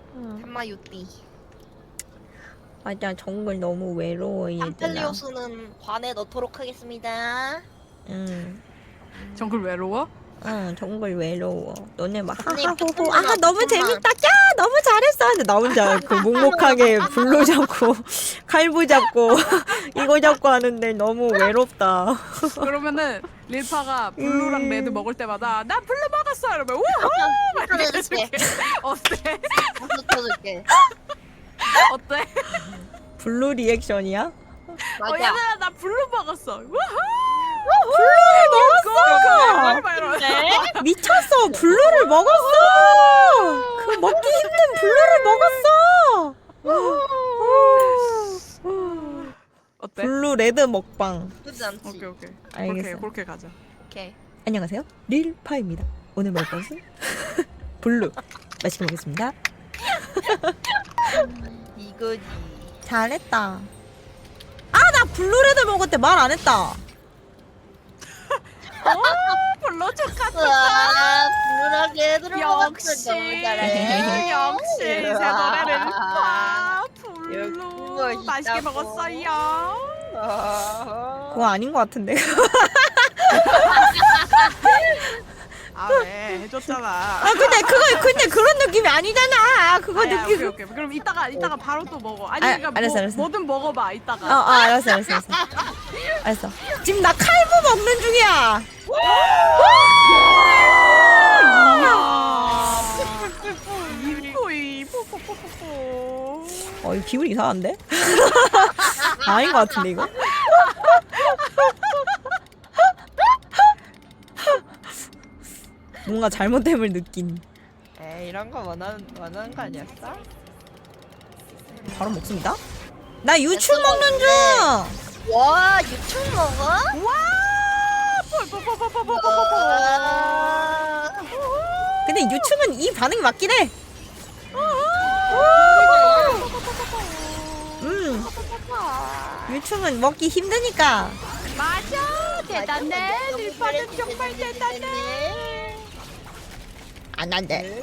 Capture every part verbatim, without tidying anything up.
응. 템마유띠. 맞아, 정글 너무 외로워 얘들아. 탐펠리오스는 관에 넣도록 하겠습니다. 응. 정글 외로워? 응, 정글 외로워. 너네 막 언니, 하하호호 백분만 아 너무 백분만. 재밌다 야 너무 잘했어 근데 나 혼자 그 묵묵하게 불로 잡고 칼부 잡고 이거 잡고 하는데 너무 외롭다. 그러면은 릴파가 블루랑 음. 레드 먹을 때마다 나 블루 먹었어 이러면 우와 막 이렇게 해줄게. 해줄게. 어때? 박수 쳐줄게. 어때? 블루 리액션이야? 어 맞아. 얘들아 나 블루 먹었어. 우와 블루를 막 이러면서. 네? 먹었어! 미쳤어! 블루를 먹었어! 그 먹기 힘든 블루를 먹었어! 어때? 블루 레드 먹방. 나쁘지 않지. 오케이 오케이. 알겠어. 그렇게 그렇게 가자. 오케이. 안녕하세요. 릴파입니다. 오늘 먹을 것은 블루. 맛있게 먹겠습니다. 이거지. 잘했다. 아, 나 블루 레드 먹을 때 말 안 했다. 블루 축하. 와, 블루라게 들어갔어. 역시 너무 잘해. 역시 새 노래를 릴파 블루 역시 맛있게 멋있다고. 먹었어요. 아, 그거 아닌 것 같은데. 아 왜 해줬잖아. 아, 근데 그거 근데 그런 느낌이 아니잖아. 그거 아야, 느낌. 오케이 오케이. 그럼 이따가 이따가 바로 또 먹어. 아니 아, 그러니까 알았어, 뭐, 알았어. 뭐든 먹어봐 어, 이따가. 어, 알았어, 알았어, 알았어. 알았어. 지금 나 칼부 먹는 중이야. 이쁘이 뽀뽀뽀뽀뽀. 어, 이 기분 이상한데? 아닌 것 같은데 이거? 뭔가 잘못됨을 느낀. 에이, 이런 거 원하는 원하는 거 아니었어? 바로 먹습니다. 나 유추 먹는 중. 와, 유충 먹어? 와 뽀뽀뽀뽀뽀뽀뽀뽀. 와. 근데 유추는 이 반응이 맞긴 해. 음, 유추는 먹기 힘드니까. 맞아 대단해. 릴파는 정말 대단해. 안 한대.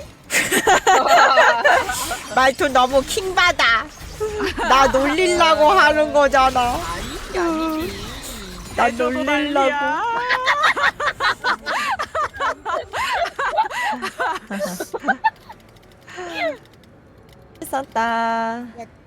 말투 너무 킹받아. 나 놀리려고 하는 거잖아. 아니지, 아니지. 나 해줘도 놀리려고. 난리야. 했었다.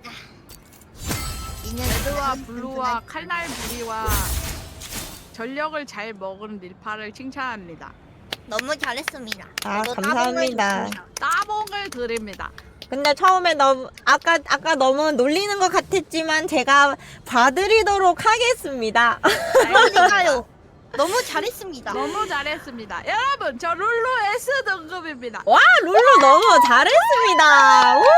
레드와 블루와 칼날 부리와 전력을 잘 먹은 릴파를 칭찬합니다. 너무 잘했습니다. 아, 저도 감사합니다. 따봉을 줬습니다. 따봉을 드립니다. 근데 처음에 너무 아까 아까 너무 놀리는 것 같았지만 제가 봐드리도록 하겠습니다. 그러니까요. 너무 잘했습니다. 너무 잘했습니다. 여러분 저 룰루 S 등급입니다. 와 룰루 너무 잘했습니다. 우!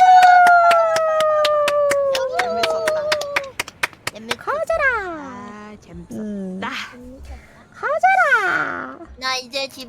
재밌었다. 재밌. 커져라. 아 재밌었다. 음. 커져라. 나 이제 집